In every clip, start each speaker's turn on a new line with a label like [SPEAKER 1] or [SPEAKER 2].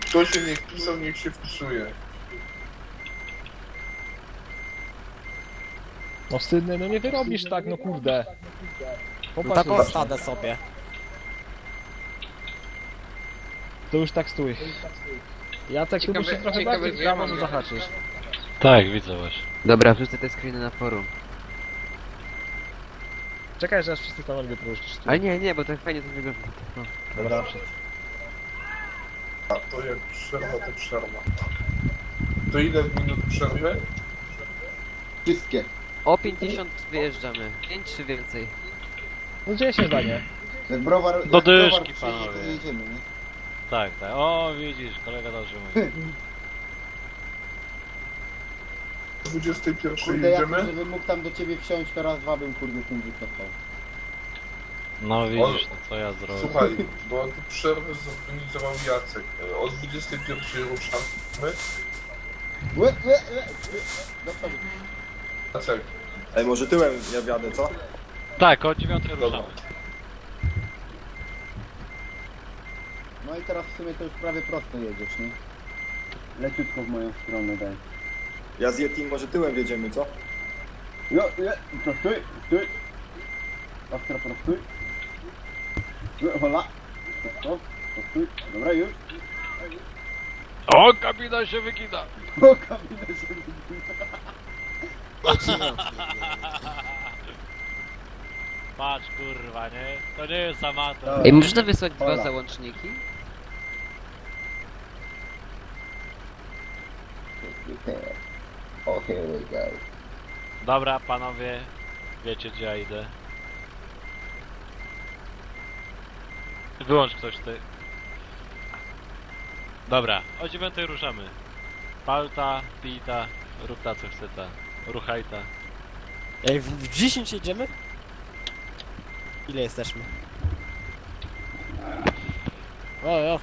[SPEAKER 1] Kto się nie wpisał, niech się wpisuje.
[SPEAKER 2] No wstydny, no nie wyrobisz tak, no kurde.
[SPEAKER 3] No
[SPEAKER 2] Popatrz,
[SPEAKER 3] taką stadę sobie.
[SPEAKER 2] to już tak stój. Jacek, tu musisz trochę bardziej w prawo, że zahaczysz.
[SPEAKER 4] Tak, widzę właśnie.
[SPEAKER 5] Dobra, wrzucę te screeny na forum.
[SPEAKER 2] Czekaj, że aż wszyscy stanowi wypróżnisz.
[SPEAKER 5] Ale nie, bo tak fajnie to wygląda. No.
[SPEAKER 2] Dobra,
[SPEAKER 1] A to jak przerwa, to przerwa. To ile minut przerwy?
[SPEAKER 6] Wszystkie.
[SPEAKER 5] O 50 wyjeżdżamy. 5 czy więcej?
[SPEAKER 2] no 10 zdanie.
[SPEAKER 6] Jak browar...
[SPEAKER 4] Do
[SPEAKER 6] jak browar
[SPEAKER 4] dyszki,
[SPEAKER 6] przyjedzie, to
[SPEAKER 4] panowie.
[SPEAKER 6] jedziemy, nie?
[SPEAKER 4] Tak, tak. O, widzisz, kolega dobrze mówi.
[SPEAKER 1] 21
[SPEAKER 6] Kurde, jak
[SPEAKER 1] jedziemy?
[SPEAKER 6] żebym mógł tam do ciebie wsiąść, to raz, dwa bym kurde tym wycofał.
[SPEAKER 4] No widzisz, no co ja zrobię.
[SPEAKER 1] Słuchaj, bo tu przerwę zorganizował Jacek. O 21 ruszamy.
[SPEAKER 6] Do przodu.
[SPEAKER 1] Jacek,
[SPEAKER 7] Ej, może tyłem ja wjadę, co?
[SPEAKER 4] Tak, o 9 ruszamy.
[SPEAKER 6] No i teraz w sumie to już prawie prosto jedziesz, nie? Leciutko w moją stronę daj.
[SPEAKER 7] Ja z Yetim może tyłem wjedziemy, co?
[SPEAKER 6] Prostuj, stój. Ostro prostuj. Hola. Stop, prostuj. Dobra, już.
[SPEAKER 4] O, kabina się wygina!
[SPEAKER 6] O, kabinę się wygina.
[SPEAKER 4] Patrz kurwa, nie? To nie jest amator.
[SPEAKER 5] Ej, można wysłać dwa
[SPEAKER 6] Hola.
[SPEAKER 5] załączniki?
[SPEAKER 6] O, here we go.
[SPEAKER 4] Dobra, panowie, wiecie gdzie ja idę. Wyłącz ktoś ty. Dobra, o 9 ruszamy. Palta, pita, rób ta co chce ta. Ruchaj ta.
[SPEAKER 3] Ej, w 10 jedziemy? Ile jesteśmy? O.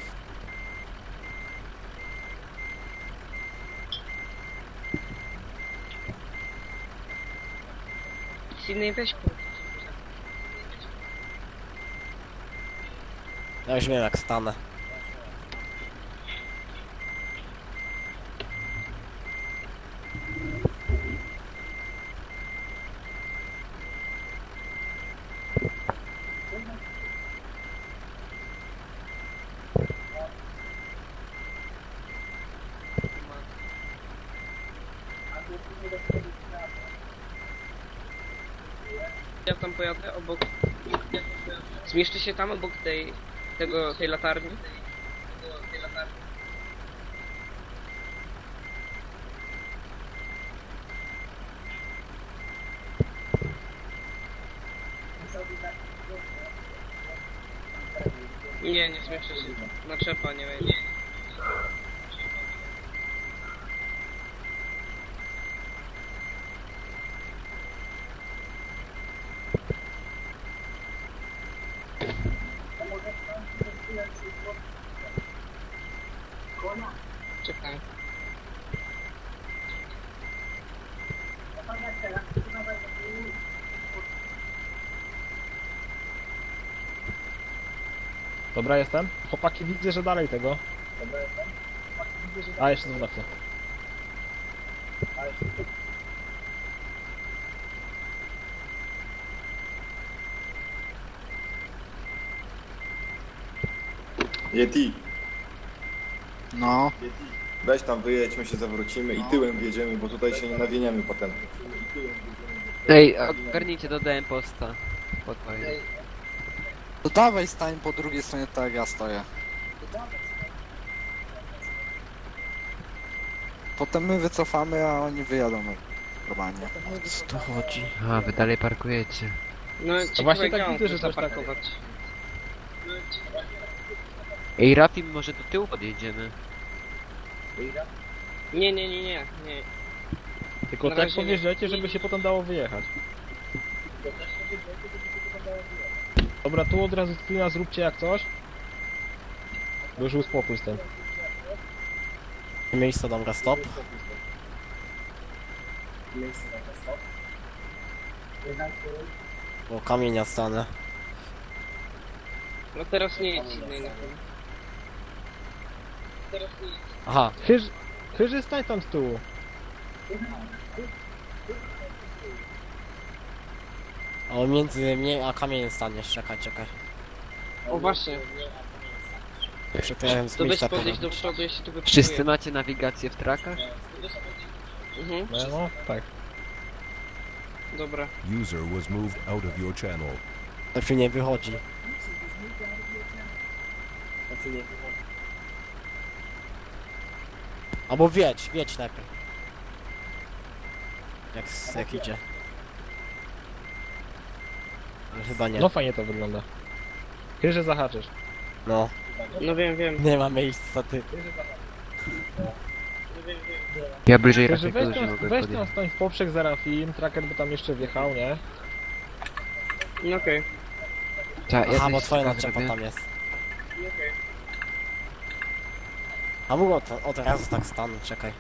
[SPEAKER 8] Silnej weź
[SPEAKER 3] Ja już wiem jak stanę.
[SPEAKER 8] Ja tam pojadę obok. Zmieszczę się tam obok tej latarni. Nie zmieszczę się. Naczepa nie wejdzie. Czekaj.
[SPEAKER 2] Dobra, jestem. Chłopaki, widzę, że dalej tego. A, jeszcze znowu na chwilę.
[SPEAKER 7] Yeti,
[SPEAKER 6] No.
[SPEAKER 7] weź tam wyjedźmy się, zawrócimy i tyłem wjedziemy, bo tutaj się nie nawieniemy potem.
[SPEAKER 5] Ej, ogarnijcie, dodałem posta. Spokojnie.
[SPEAKER 9] To dawaj stań po drugiej stronie tak jak ja stoję. Potem my wycofamy, a oni wyjadą normalnie.
[SPEAKER 3] Co to chodzi?
[SPEAKER 5] A, wy dalej parkujecie.
[SPEAKER 8] No
[SPEAKER 2] właśnie
[SPEAKER 8] ciekawe,
[SPEAKER 2] tak
[SPEAKER 8] gdzie
[SPEAKER 2] widzę,
[SPEAKER 8] on
[SPEAKER 2] że
[SPEAKER 8] chce
[SPEAKER 2] też tak-
[SPEAKER 8] zaparkować.
[SPEAKER 5] Ej, Rafi, może do tyłu podjedziemy?
[SPEAKER 8] Nie.
[SPEAKER 2] Tylko
[SPEAKER 8] Na
[SPEAKER 2] tak
[SPEAKER 8] razie nie.
[SPEAKER 2] powierzajcie, żeby się potem dało wyjechać. Dobra, tu od razu screena zróbcie jak coś. Bo już uspokój z tym.
[SPEAKER 3] Miejsce, dobra, stop. O, kamienia stanę.
[SPEAKER 8] No teraz nie jedź silnej na tym.
[SPEAKER 3] Aha,
[SPEAKER 2] Chyży, stań tam z tyłu.
[SPEAKER 3] o między mnie a kamieniem staniesz, czekaj.
[SPEAKER 8] O właśnie,
[SPEAKER 3] Przekręcam z
[SPEAKER 8] to weź
[SPEAKER 3] miejsca
[SPEAKER 8] podejść
[SPEAKER 3] powiem.
[SPEAKER 8] do przodu, jeśli tu wypróbuję.
[SPEAKER 5] Wszyscy macie nawigację w trakach?
[SPEAKER 8] Mhm,
[SPEAKER 2] No, tak.
[SPEAKER 8] dobra.
[SPEAKER 10] User was moved out of your channel.
[SPEAKER 3] To się nie wychodzi. Albo wiedź najpierw. Jak idzie. Ale chyba nie.
[SPEAKER 2] No fajnie to wygląda. Chyży zahaczysz.
[SPEAKER 3] No,
[SPEAKER 8] No wiem.
[SPEAKER 3] nie ma miejsca ty.
[SPEAKER 5] Ja bliżej
[SPEAKER 2] Chyży,
[SPEAKER 5] Rafiego
[SPEAKER 2] weź
[SPEAKER 5] już nie
[SPEAKER 2] tam,
[SPEAKER 5] mogę
[SPEAKER 2] weź tam
[SPEAKER 5] podjechać.
[SPEAKER 2] stań w poprzek za Rafim, tracker by tam jeszcze wjechał, nie?
[SPEAKER 8] No okej.
[SPEAKER 5] Ja
[SPEAKER 3] Aha,
[SPEAKER 5] coś
[SPEAKER 3] bo twoja
[SPEAKER 5] tak
[SPEAKER 3] naczepa
[SPEAKER 5] zrobię.
[SPEAKER 3] tam jest. A mógł od razu tak stanąć, czekaj.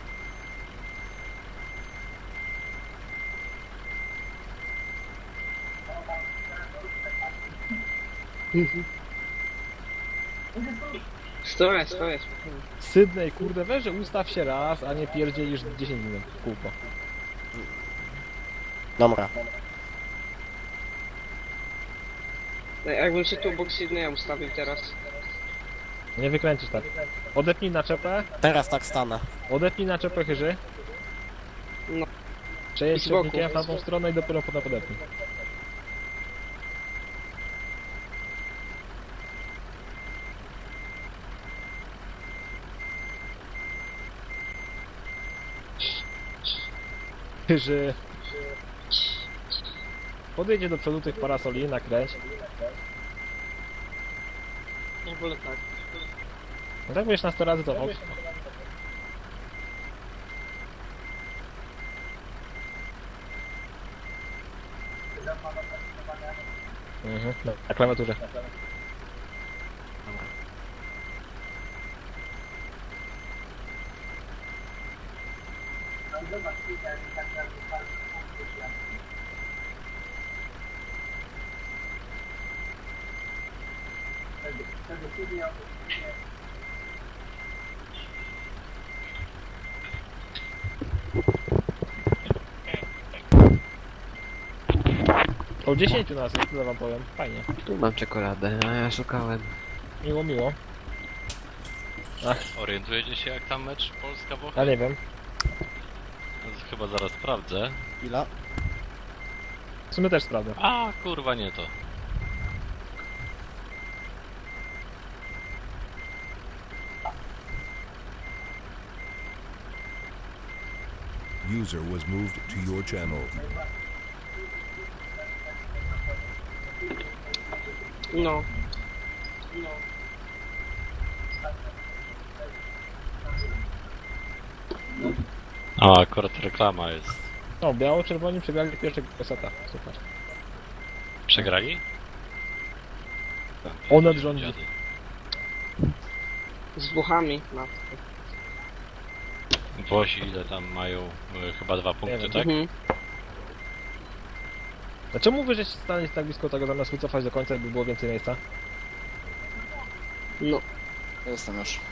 [SPEAKER 8] Stoję.
[SPEAKER 2] Sydney, kurde, weź, że ustaw się raz, a nie pierdzielisz 10 minut w kółko.
[SPEAKER 3] Dobra.
[SPEAKER 8] No, jakbym się tu obok Sydneya ustawił teraz.
[SPEAKER 2] Nie wykręcisz tak. Odepnij naczepę,
[SPEAKER 3] Teraz tak stanę.
[SPEAKER 2] odepnij naczepę Chyży.
[SPEAKER 8] No.
[SPEAKER 2] Przejedź
[SPEAKER 8] I z boku.
[SPEAKER 2] średnikiem w tamtą stronę i dopiero potem podepnij. Chyży. Podejdzie do przodu tych parasoli, nakręć.
[SPEAKER 8] Ja wolę tak.
[SPEAKER 2] No tak będziesz na 100 razy to ok. Mhm, no, na klawiaturze. O 10 nas jest, tyle wam powiem. Fajnie.
[SPEAKER 5] Tu mam czekoladę, a ja szukałem.
[SPEAKER 2] Miło.
[SPEAKER 4] Orientujecie się jak tam mecz Polska-Włochy?
[SPEAKER 2] Ja nie wiem.
[SPEAKER 4] Chyba zaraz sprawdzę.
[SPEAKER 3] Ile?
[SPEAKER 2] W sumie też sprawdzę.
[SPEAKER 4] A kurwa nie to.
[SPEAKER 10] User was moved to your channel.
[SPEAKER 8] No.
[SPEAKER 4] A akurat reklama jest.
[SPEAKER 2] O, biało-czerwoni przegrali pierwszego seta. Super.
[SPEAKER 4] Przegrali?
[SPEAKER 2] Onet rządzi.
[SPEAKER 4] Dziady.
[SPEAKER 8] Z Włochami. No.
[SPEAKER 4] Włosi ile tam mają? Chyba 2 punkty,
[SPEAKER 2] wiem.
[SPEAKER 4] tak?
[SPEAKER 8] Mhm.
[SPEAKER 2] A czemu wy żeście stanęli tak blisko tego zamiast wycofać do końca, by było więcej miejsca?
[SPEAKER 8] No.
[SPEAKER 9] Jestem już.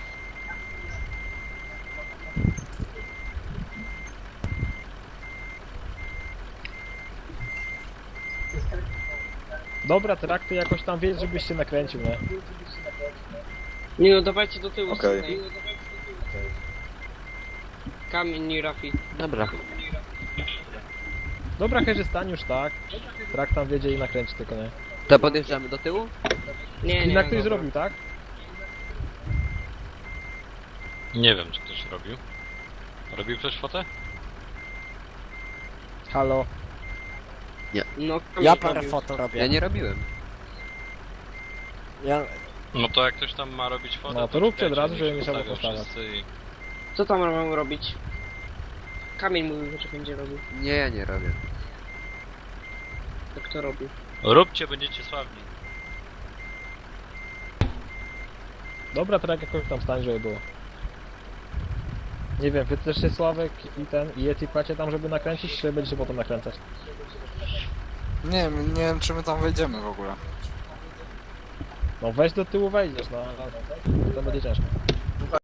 [SPEAKER 2] Dobra, trakty jakoś tam wiedz, żebyś się nakręcił, nie?
[SPEAKER 8] Nie no, dawajcie do tyłu
[SPEAKER 7] Okej.
[SPEAKER 8] Sydney. Kamień i Rafi.
[SPEAKER 5] Dobra.
[SPEAKER 2] Dobra, Chyży, stań już tak. Trakt tam wiedzie i nakręci tylko, nie?
[SPEAKER 5] To podjeżdżamy do tyłu?
[SPEAKER 8] Nie,
[SPEAKER 2] I na ktoś
[SPEAKER 8] dobra.
[SPEAKER 2] zrobił, tak?
[SPEAKER 4] Nie wiem czy ktoś robił. Robił ktoś fotę?
[SPEAKER 2] Halo.
[SPEAKER 8] No,
[SPEAKER 3] Ja
[SPEAKER 8] kamień
[SPEAKER 3] parę
[SPEAKER 8] robił.
[SPEAKER 3] foto robię.
[SPEAKER 5] Ja nie robiłem.
[SPEAKER 3] Ja...
[SPEAKER 4] No to jak ktoś tam ma robić fotę,
[SPEAKER 2] No to róbcie od
[SPEAKER 4] czekajcie,
[SPEAKER 2] razu,
[SPEAKER 4] niech
[SPEAKER 2] żeby
[SPEAKER 4] się
[SPEAKER 2] nie trzeba
[SPEAKER 4] ustawią
[SPEAKER 2] powtarzać.
[SPEAKER 4] wszyscy i-
[SPEAKER 8] Co tam mamy robić? Kamień mówił, że będzie robił.
[SPEAKER 5] Nie, ja nie robię.
[SPEAKER 8] To kto robił?
[SPEAKER 4] Róbcie, będziecie sławni.
[SPEAKER 2] Dobra, Trakt jakoś tam stań, żeby było. Nie wiem, wy też się Sławek i Yeti płacie tam, żeby nakręcić, czy będziecie potem nakręcać?
[SPEAKER 9] Nie wiem czy my tam wejdziemy w ogóle.
[SPEAKER 2] No weź do tyłu wejdziesz, no ale to będzie ciężko.